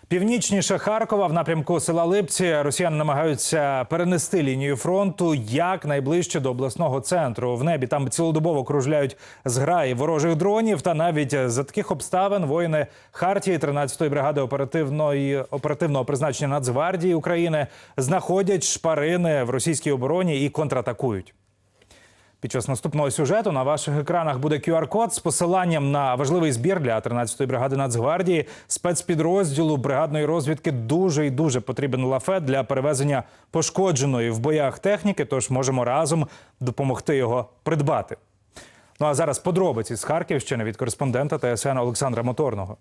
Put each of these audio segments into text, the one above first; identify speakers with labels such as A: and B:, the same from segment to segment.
A: Північніше Харкова, в напрямку села Липці, росіяни намагаються перенести лінію фронту якнайближче до обласного центру. В небі там цілодобово кружляють зграї ворожих дронів. Та навіть за таких обставин воїни Хартії 13-ї бригади оперативного призначення Нацгвардії України знаходять шпарини в російській обороні і контратакують. Під час наступного сюжету на ваших екранах буде QR-код з посиланням на важливий збір для 13-ї бригади Нацгвардії. Спецпідрозділу бригадної розвідки дуже і дуже потрібен лафет для перевезення пошкодженої в боях техніки, тож можемо разом допомогти його придбати. Ну а зараз подробиці з Харківщини від кореспондента ТСН Олександра Моторного.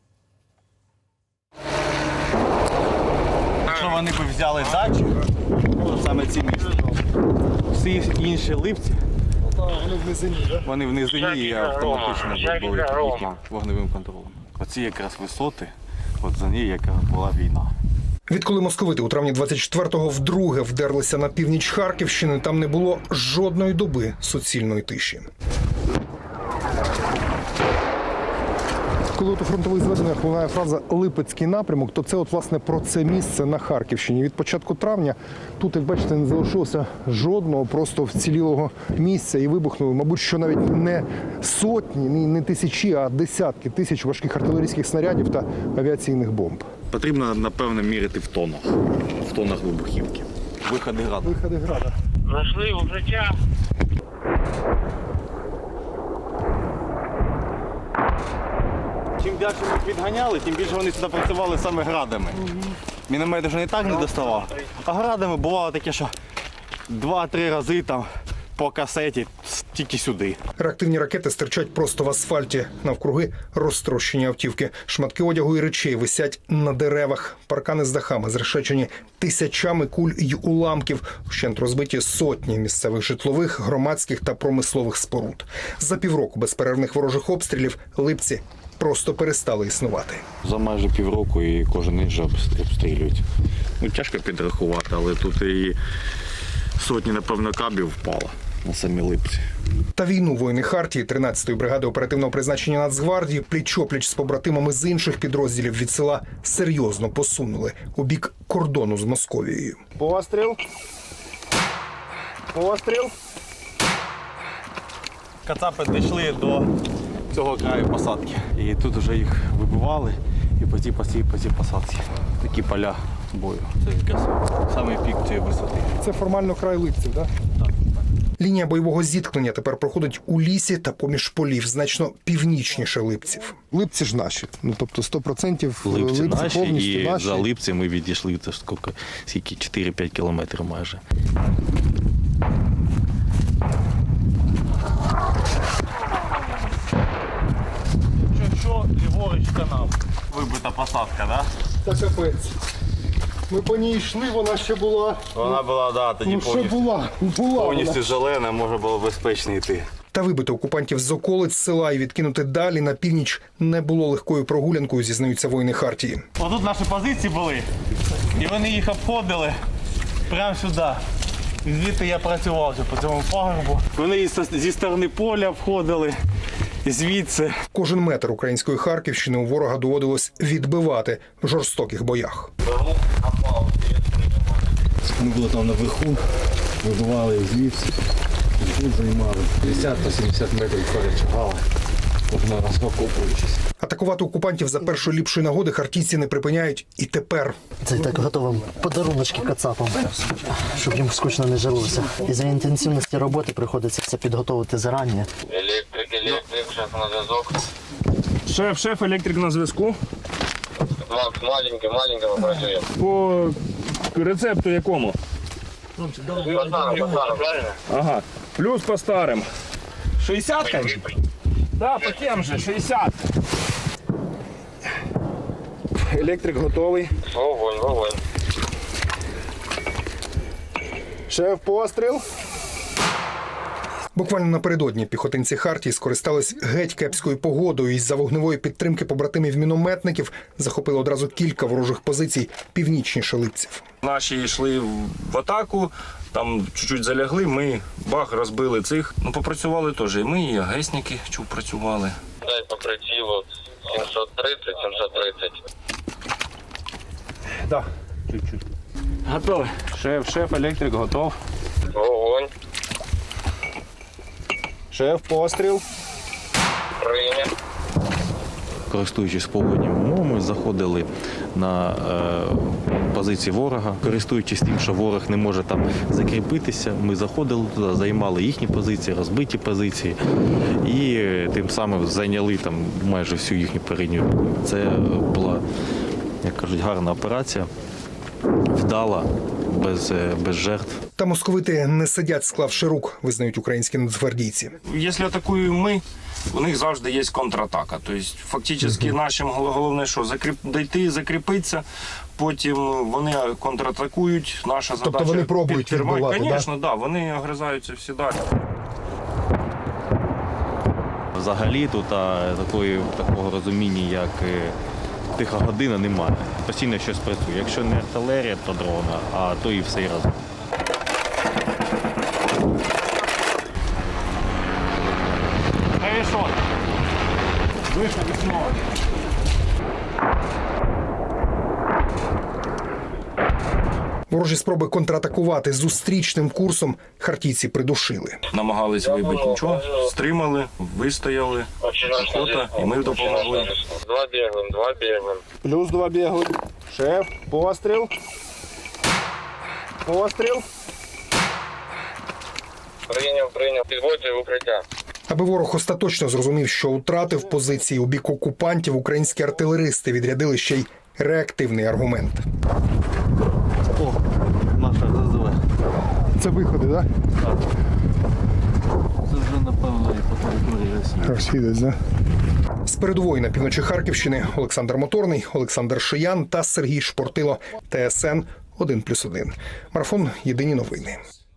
B: Якщо вони б взяли дачу, то саме ці місця. Всі інші Липці,
C: вони в низині, так?
B: вони в низині і автоматично були під їхнім вогневим контролем. Оці якраз висоти, от за нею яка була війна.
C: Відколи московити у травні 24-го вдруге вдерлися на північ Харківщини, там не було жодної доби суцільної тиші. Коли у фронтових зведеннях лунає фраза «Липецький напрямок», то це от, власне, про це місце на Харківщині. Від початку травня тут, як бачите, не залишилося жодного просто вцілілого місця. І вибухнули, мабуть, що навіть не сотні, не тисячі, а десятки тисяч важких артилерійських снарядів та авіаційних бомб.
B: Потрібно, напевно, міряти в тонах вибухівки. Виходи града.
C: Виходи града.
D: Нашли укриття.
B: Чим далі ми їх відганяли, тим більше вони сюди працювали саме градами. Міномет вже не так не доставав, а градами бувало таке, що 2-3 рази там по касеті тільки сюди.
C: Реактивні ракети стирчать просто в асфальті. Навкруги розтрощені автівки. Шматки одягу і речей висять на деревах. Паркани з дахами зрешечені тисячами куль й уламків. Вщент розбиті сотні місцевих житлових, громадських та промислових споруд. За півроку безперервних ворожих обстрілів Липці просто перестали існувати.
B: За майже півроку і кожен день вже обстрілюють. Ну, тяжко підрахувати, але тут і сотні, напевно, кабів впало на самі Липці.
C: Та війну воїни Хартії 13-ї бригади оперативного призначення Нацгвардії пліч-опліч з побратимами з інших підрозділів від села серйозно посунули у бік кордону з Московією.
B: Постріл. Постріл. Кацапи дійшли до цього краю посадки. І тут вже їх вибивали і по цій посадці. Такі поля бою. Це якраз самий пік цієї висоти.
C: Це формально край Липців, так?
B: Так.
C: Лінія бойового зіткнення тепер проходить у лісі та поміж полів, значно північніше Липців. Липці ж наші, ну тобто 100%
B: Липці наші,
C: повністю
B: і
C: наші.
B: за Липці ми відійшли, це скільки 4-5 кілометрів майже. Що ліворуч канал. Вибита посадка, так?
C: Та капець. Ми по ній йшли, вона ще була.
B: Вона була, да, тоді
C: Ну що була?
B: повністю зелена, може було безпечно йти.
C: Та вибити окупантів з околиць села і відкинути далі на північ не було легкою прогулянкою, зізнаються воїни Хартії.
B: Отут наші позиції були, і вони їх обходили прямо сюди. Звідти я працював вже по цьому пагорбу. Вони зі сторони поля обходили, звідси.
C: Кожен метр української Харківщини у ворога доводилось відбивати в жорстоких боях.
B: Ми були там наверху, вибивали звідси, тут займали 50-70 метрів перечагали, кожен раз окопуючись.
C: Атакувати окупантів за першої ліпшої нагоди хартійці не припиняють і тепер.
E: Це так готовим подаруночки кацапам, щоб їм скучно не жилося. І за інтенсивності роботи приходиться все підготовити зарані.
D: Електрик, шеф на зв'язок.
F: Шеф, електрик на зв'язку.
D: Маленько працює.
F: По рецепту якому?
D: По старому, правильно?
F: Ага. Плюс по старим. 60, конечно? Да, по тем же, 60. Електрик готовий.
D: Вогонь.
F: Шеф, постріл.
C: Буквально напередодні піхотинці Хартії скористались геть кепською погодою і з-за вогневої підтримки побратимів-мінометників захопили одразу кілька ворожих позицій північніше Липців.
F: Наші йшли в атаку, там чуть-чуть залягли, ми розбили цих. Ну, попрацювали теж. І ми, і агесники працювали.
D: Дай по прицілу 730.
A: Да. Чуть-чуть. Готовий. Шеф, електрик, готов.
D: Вогонь.
A: Шеф, постріл.
D: Прийняв.
G: Користуючись погодніми умовами, заходили на позиції ворога. Користуючись тим, що ворог не може там закріпитися, ми заходили туди, займали їхні позиції, розбиті позиції і тим самим зайняли там майже всю їхню передню лінію. Це була, як кажуть, гарна операція, вдала, без жертв.
C: Та московити не сидять, склавши рук, визнають українські нацгвардійці.
F: Якщо атакуємо ми, у них завжди є контратака. Тобто, фактично, нашим головне, що дійти, закріпитися, потім вони контратакують. Наша задача
C: Тобто вони пробують відбивати,
F: Звісно, да, вони огризаються всі далі.
G: Взагалі тут такого розуміння, як тиха година, немає. Постійно щось працює. Якщо не артилерія, то дрона, а то і все разом.
C: Ворожі спроби контратакувати зустрічним курсом хартійці придушили.
F: Намагались вибити нічого, стримали, вистояли, охота, і ми допомогли.
D: Два бігаємо.
A: Плюс 2 бігли. Шеф, постріл. Постріл.
D: Прийняв. Підводжу в укриття.
C: Аби ворог остаточно зрозумів, що втратив позиції у бік окупантів, українські артилеристи відрядили ще й реактивний аргумент.
G: Наша ЗЗВ.
C: Це виходи, так?
G: Це вже, напевно, і по території Росії.
C: Розхідець, так? З передової на півночі Харківщини Олександр Моторний, Олександр Шиян та Сергій Шпортило. ТСН 1+1. Марафон «Єдині новини».